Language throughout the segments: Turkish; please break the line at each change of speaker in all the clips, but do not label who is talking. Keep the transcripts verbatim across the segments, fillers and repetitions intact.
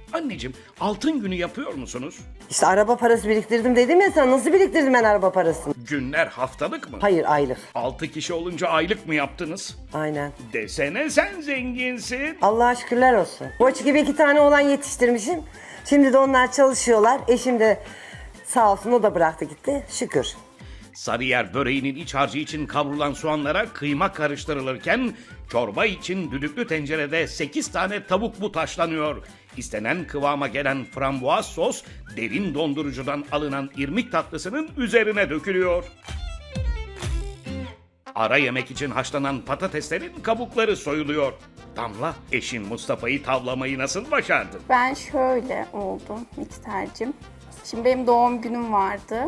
Anneciğim, altın günü yapıyor musunuz?
İşte araba parası biriktirdim dedim ya sana. Nasıl biriktirdim ben araba parasını?
Günler haftalık mı?
Hayır, aylık.
Altı kişi olunca aylık mı yaptınız?
Aynen.
Desene sen zenginsin.
Allah'a şükürler olsun. Koç gibi iki tane oğlan yetiştirmişim. Şimdi de onlar çalışıyorlar. Eşim de sağ olsun, o da bıraktı gitti. Şükür.
Sarıyer böreğinin iç harcı için kavrulan soğanlara kıyma karıştırılırken çorba için düdüklü tencerede sekiz tane tavuk but haşlanıyor. İstenen kıvama gelen frambuaz sos derin dondurucudan alınan irmik tatlısının üzerine dökülüyor. Ara yemek için haşlanan patateslerin kabukları soyuluyor. Damla, eşin Mustafa'yı tavlamayı nasıl başardın?
Ben şöyle oldum miksercim. Şimdi benim doğum günüm vardı.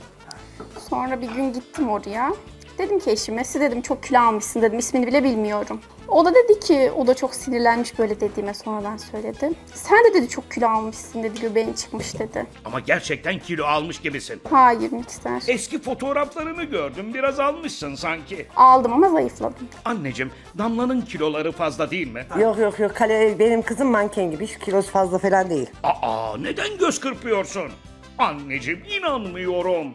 Sonra bir gün gittim oraya. Dedim ki eşime, siz dedim çok kilo almışsın dedim, ismini bile bilmiyorum. O da dedi ki, o da çok sinirlenmiş böyle dediğime, sonradan söyledi. Sen de dedi çok kilo almışsın dedi, göbeğin çıkmış dedi.
Ama gerçekten kilo almış gibisin.
Hayır mikser.
Eski fotoğraflarını gördüm, biraz almışsın sanki.
Aldım ama zayıfladım.
Anneciğim, Damla'nın kiloları fazla değil mi?
Yok yok yok. Kale, benim kızım manken gibi. Hiç kilosu fazla falan değil.
Aa, neden göz kırpıyorsun? Anneciğim, inanmıyorum.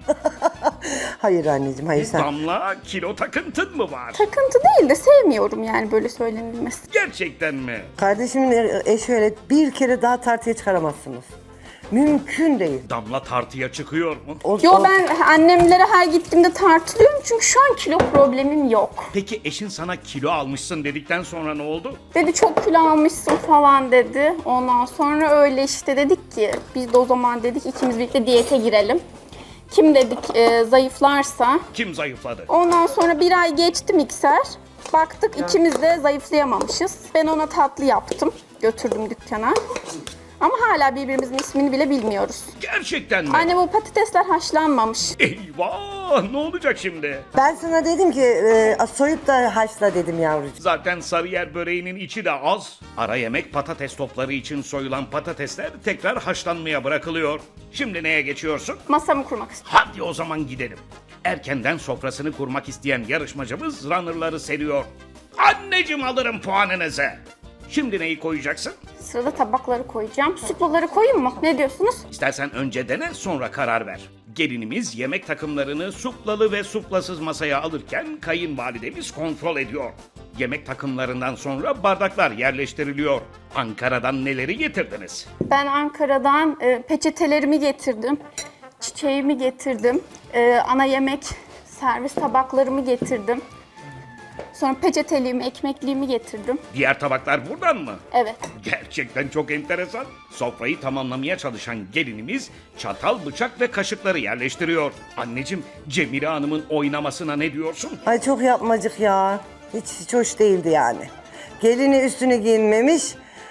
Hayır anneciğim, hayır sen.
Damla, kilo takıntın mı var?
Takıntı değil de sevmiyorum yani böyle söylenilmesi.
Gerçekten mi?
Kardeşimin eşi öyle, bir kere daha tartıya çıkaramazsınız. Mümkün değil.
Damla tartıya çıkıyor mu?
O,
Yo
o-
ben annemlere her gittiğimde tartılıyorum çünkü şu an kilo problemim yok.
Peki eşin sana kilo almışsın dedikten sonra ne oldu?
Dedi çok kilo almışsın falan dedi. Ondan sonra öyle işte dedik ki biz de o zaman dedik ikimiz birlikte diyete girelim. Kim dedik e, zayıflarsa.
Kim zayıfladı?
Ondan sonra bir ay geçti mikser. Baktık ikimiz de zayıflayamamışız. Ben ona tatlı yaptım. Götürdüm dükkana. Ama hala birbirimizin ismini bile bilmiyoruz.
Gerçekten mi?
Anne bu patatesler haşlanmamış.
Eyvah! Ne olacak şimdi?
Ben sana dedim ki e, soyup da haşla dedim yavrucuğum.
Zaten Sarıyer böreğinin içi de az. Ara yemek patates topları için soyulan patatesler tekrar haşlanmaya bırakılıyor. Şimdi neye geçiyorsun?
Masamı kurmak istiyorum.
Hadi o zaman gidelim. Erkenden sofrasını kurmak isteyen yarışmacımız runner'ları seriyor. Anneciğim, alırım puanınızı. Şimdi neyi koyacaksın?
Sırada tabakları koyacağım. Suplaları koyayım mı? Ne diyorsunuz?
İstersen önce dene, sonra karar ver. Gelinimiz yemek takımlarını suplalı ve suplasız masaya alırken kayınvalidemiz kontrol ediyor. Yemek takımlarından sonra bardaklar yerleştiriliyor. Ankara'dan neleri getirdiniz?
Ben Ankara'dan e, peçetelerimi getirdim. Çiçeğimi getirdim. E, ana yemek servis tabaklarımı getirdim. Sonra peçeteliğimi, ekmekliğimi getirdim.
Diğer tabaklar buradan mı?
Evet.
Gerçekten çok enteresan. Sofrayı tamamlamaya çalışan gelinimiz çatal, bıçak ve kaşıkları yerleştiriyor. Anneciğim, Cemile Hanım'ın oynamasına ne diyorsun?
Ay çok yapmacık ya. Hiç, hiç hoş değildi yani. Gelini üstünü giyinmemiş.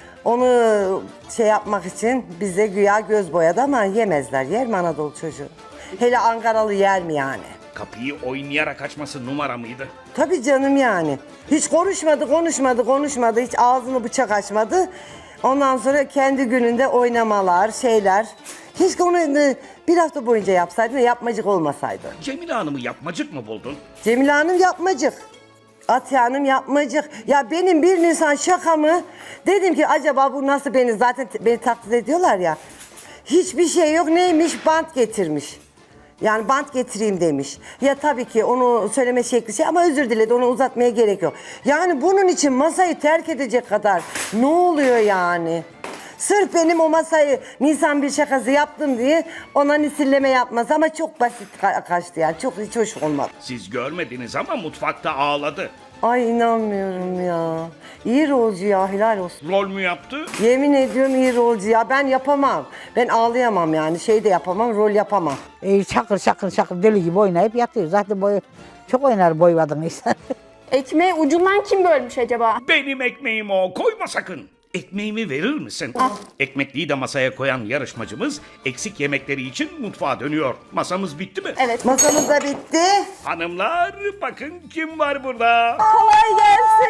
Onu şey yapmak için bize güya göz boyadı ama yemezler. Yer mi Anadolu çocuğu? Hele Ankaralı yer mi yani?
Kapıyı oynayarak açması numara mıydı?
Tabii canım yani. Hiç konuşmadı, konuşmadı, konuşmadı. Hiç ağzını bıçak açmadı. Ondan sonra kendi gününde oynamalar, şeyler. Keşke onu e, bir hafta boyunca yapsaydı da yapmacık olmasaydı.
Cemile Hanım'ı yapmacık mı buldun?
Cemile Hanım yapmacık. Atiye Hanım yapmacık. Ya benim bir Nisan şakamı dedim ki acaba bu nasıl, beni zaten beni taklit ediyorlar ya. Hiçbir şey yok, neymiş, bant getirmiş. Yani bant getireyim demiş. Ya tabii ki onu söyleme şekli şey ama özür diledi, onu uzatmaya gerek yok. Yani bunun için masayı terk edecek kadar ne oluyor yani? Sırf benim o masayı Nisan bir şakası yaptım diye ona nisilleme yapmaz ama çok basit ka- kaçtı yani, çok hiç hoş olmadı.
Siz görmediniz ama mutfakta ağladı.
Ay inanmıyorum ya. İyi rolcu ya, helal olsun.
Rol mü yaptı?
Yemin ediyorum iyi rolcu ya, ben yapamam. Ben ağlayamam yani, şey de yapamam, rol yapamam.
E, şakır şakır şakır deli gibi oynayıp yatıyor. Zaten boy, çok oynar boy kadın insan.
Ekmeği ucundan kim bölmüş acaba?
Benim ekmeğim o, koyma sakın. Ekmeğimi verir misin? Ekmekliği de masaya koyan yarışmacımız eksik yemekleri için mutfağa dönüyor. Masamız bitti mi?
Evet.
Masamız da bitti.
Hanımlar, bakın kim var burada.
Kolay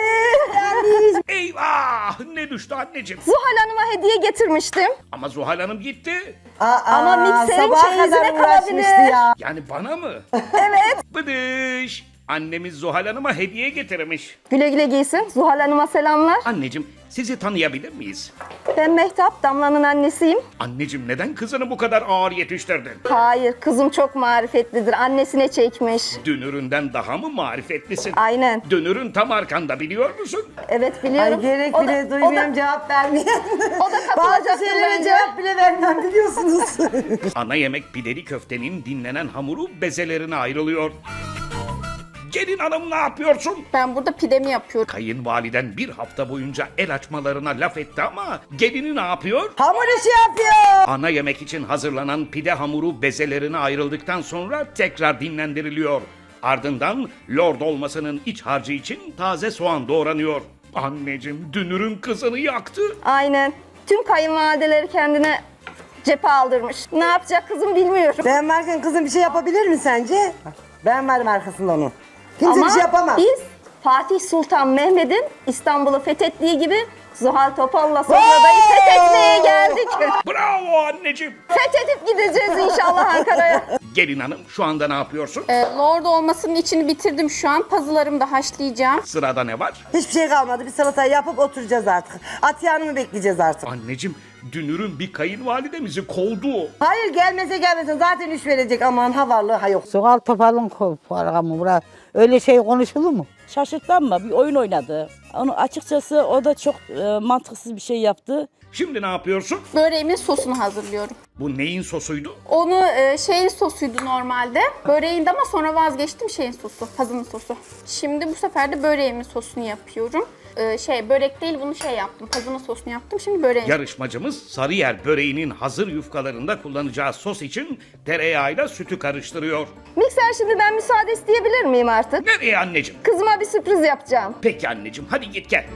gelsin.
Eyvah, ne düştü anneciğim?
Zuhal Hanım'a hediye getirmiştim.
Ama Zuhal Hanım gitti.
Aa,
Ama mikserin
sabaha
çeyizine
kadar uğraşmıştı
kalabilir.
ya.
Yani bana mı?
Evet.
Bıdış. Annemiz Zuhal Hanım'a hediye getirmiş.
Güle güle giysin. Zuhal Hanım'a selamlar.
Anneciğim sizi tanıyabilir miyiz?
Ben Mehtap, Damla'nın annesiyim.
Anneciğim neden kızını bu kadar ağır yetiştirdin?
Hayır, kızım çok marifetlidir. Annesine çekmiş.
Dünüründen daha mı marifetlisin?
Aynen.
Dünürün tam arkanda biliyor musun?
Evet biliyorum.
Ay gerek
O da-
bile
o
duymuyorum
da-
cevap vermeyen.
O da katılacaktır
Bazı şeylere
bence.
cevap bile vermem biliyorsunuz.
Ana yemek pideli köftenin dinlenen hamuru bezelerine ayrılıyor. Gelin hanım ne yapıyorsun?
Ben burada pidemi yapıyorum.
Kayınvaliden bir hafta boyunca el açmalarına laf etti ama gelini ne yapıyor?
Hamur işi yapıyor.
Ana yemek için hazırlanan pide hamuru bezelerine ayrıldıktan sonra tekrar dinlendiriliyor. Ardından lord olmasının iç harcı için taze soğan doğranıyor. Anneciğim dünürün kızını yaktı.
Aynen. Tüm kayınvalideleri kendine cephe aldırmış. Ne yapacak kızım bilmiyorum.
Ben varken kızım bir şey yapabilir mi sence? Ben varım arkasında onun. Kimse
Ama
bir şey yapamaz.
biz Fatih Sultan Mehmet'in İstanbul'u fethettiği gibi Zuhal Topal'la sofradayı fethetmeye geldik.
Bravo anneciğim.
Fethedip gideceğiz inşallah Ankara'ya.
Gelin hanım şu anda ne yapıyorsun?
Ee, Lord olmasının içini bitirdim şu an. Pazılarımı da haşlayacağım.
Sırada ne var?
Hiçbir şey kalmadı. Bir salatayı yapıp oturacağız artık. Atiye Hanım'ı bekleyeceğiz artık.
Anneciğim dünürün bir kayınvalidemizi kovdu.
Hayır gelmese gelmese zaten üç verecek. Aman havarlı ha yok.
Zuhal Topal'ın programı bura. Öyle şey konuşulur mu?
Şaşırttı ama bir oyun oynadı. Onu açıkçası o da çok e, mantıksız bir şey yaptı.
Şimdi ne yapıyorsun?
Böreğimin sosunu hazırlıyorum.
Bu neyin sosuydu?
Onu e, şeyin sosuydu normalde. Böreğinde ama sonra vazgeçtim şeyin sosu, pazının sosu. Şimdi bu sefer de böreğimin sosunu yapıyorum. E, şey börek değil bunu şey yaptım, pazının sosunu yaptım. Şimdi böreğin.
Yarışmacımız Sarıyer böreğinin hazır yufkalarında kullanacağı sos için tereyağıyla sütü karıştırıyor.
Mikser şimdi ben müsaade isteyebilir miyim artık?
Nereye anneciğim?
Kızıma bir sürpriz yapacağım.
Peki anneciğim hadi git gel.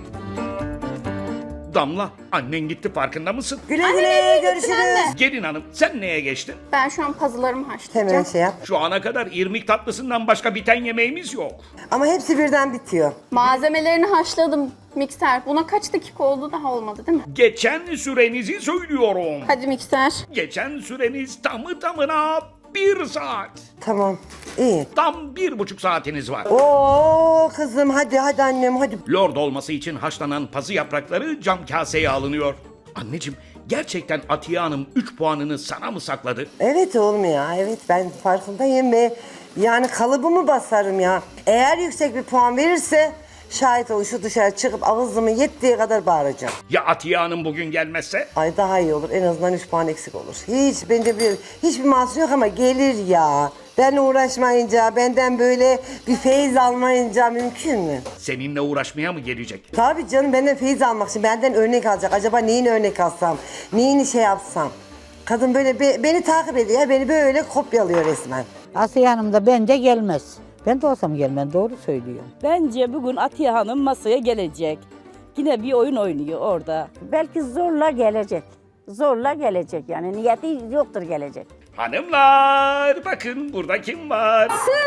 Damla annen gitti farkında mısın?
Güle
Anne,
güle
nereye gittin
görüşürüz.
anne?
Gelin hanım sen neye geçtin?
Ben şu an pazılarımı haşlayacağım.
Hemen şey yap.
Şu ana kadar irmik tatlısından başka biten yemeğimiz yok.
Ama hepsi birden bitiyor.
Malzemelerini haşladım mikser. Buna kaç dakika oldu daha olmadı değil mi?
Geçen sürenizi söylüyorum.
Hadi mikser.
Geçen süreniz tamı tamına bir saat.
Tamam. İyi.
Tam bir buçuk saatiniz var.
Oo kızım hadi hadi annem hadi.
Lord olması için haşlanan pazı yaprakları cam kaseye alınıyor. Anneciğim gerçekten Atiye Hanım üç puanını sana mı sakladı?
Evet oğlum ya evet ben farkındayım ve yani kalıbımı basarım ya. Eğer yüksek bir puan verirse şahit ol şu dışarı çıkıp ağzımı yettiği kadar bağıracağım.
Ya Atiye Hanım bugün gelmezse?
Ay daha iyi olur en azından üç puan eksik olur. Hiç bence bir hiçbir mahsur yok ama gelir ya. Ben uğraşmayınca benden böyle bir feyiz almayınca mümkün mü?
Seninle uğraşmaya mı gelecek?
Tabii canım benden feyiz almak için benden örnek alacak. Acaba neyini örnek alsam, neyini şey yapsam. Kadın böyle be- beni takip ediyor, beni böyle kopyalıyor resmen.
Asiye Hanım da bence gelmez. Ben de olsam gelmem, doğru söylüyor.
Bence bugün Atiye Hanım masaya gelecek. Yine bir oyun oynuyor orada.
Belki zorla gelecek. Zorla gelecek yani niyeti yoktur gelecek.
Hanımlar bakın burada kim var?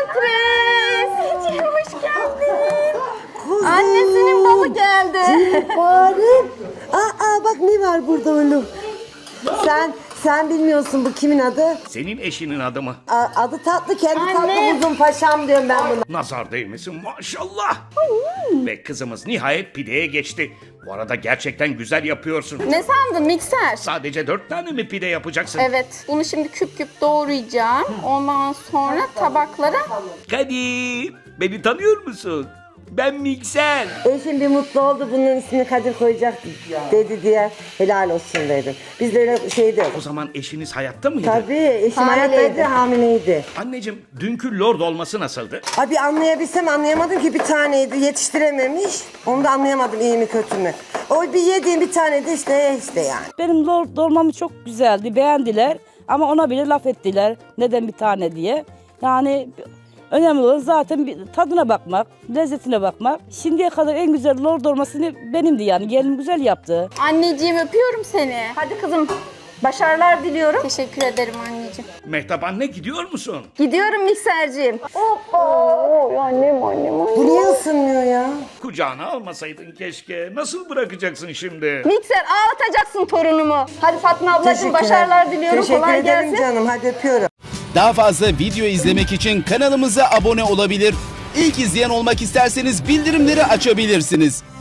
Sürpriz! Hoş geldin.
Kuzum.
Annesinin balı geldi.
Farem. Aa bak ne var burada oğlum. Sen sen bilmiyorsun bu kimin adı?
Senin eşinin adı mı?
A- adı tatlı kendi
Anne.
tatlı uzun paşam diyorum ben buna.
Nazar değmesin maşallah. Ve kızımız nihayet pideye geçti. Bu arada gerçekten güzel yapıyorsun.
Ne sandın mikser?
Sadece dört tane mi pide yapacaksın?
Evet, bunu şimdi küp küp doğrayacağım. Ondan sonra tabaklara
Kadir, beni tanıyor musun? Ben Mikser.
Eşim bir mutlu oldu bunun ismini Kadir koyacak dedi diye helal olsun dedim. Biz de öyle şeydi.
O zaman eşiniz hayatta mıydı?
Tabii eşim
Hamileydi.
hayattaydı hamileydi.
Anneciğim, dünkü lord olması nasıldı?
Abi anlayabilsem anlayamadım ki bir taneydi yetiştirememiş. Onu da anlayamadım iyi mi kötü mü. O bir yediğim bir taneydi işte işte yani.
Benim lord dolmamı çok güzeldi, beğendiler. Ama ona bile laf ettiler. Neden bir tane diye. Yani önemli olan zaten bir tadına bakmak, lezzetine bakmak. Şimdiye kadar en güzel lord olmasını benimdi yani. Gelinim güzel yaptı.
anneciğim öpüyorum seni. Hadi kızım. Başarılar diliyorum. Teşekkür ederim anneciğim.
Mehtap anne gidiyor musun?
Gidiyorum mikserciğim. Oh, annem annem.
Bu niye ısınmıyor ya?
Kucağına almasaydın keşke. Nasıl bırakacaksın şimdi?
Mikser ağlatacaksın torunumu. Hadi Fatma ablacığım
Teşekkürler.
başarılar diliyorum.
Teşekkür
Kolay
ederim
gelsin.
canım hadi öpüyorum.
Daha fazla video izlemek için kanalımıza abone olabilir. İlk izleyen olmak isterseniz bildirimleri açabilirsiniz.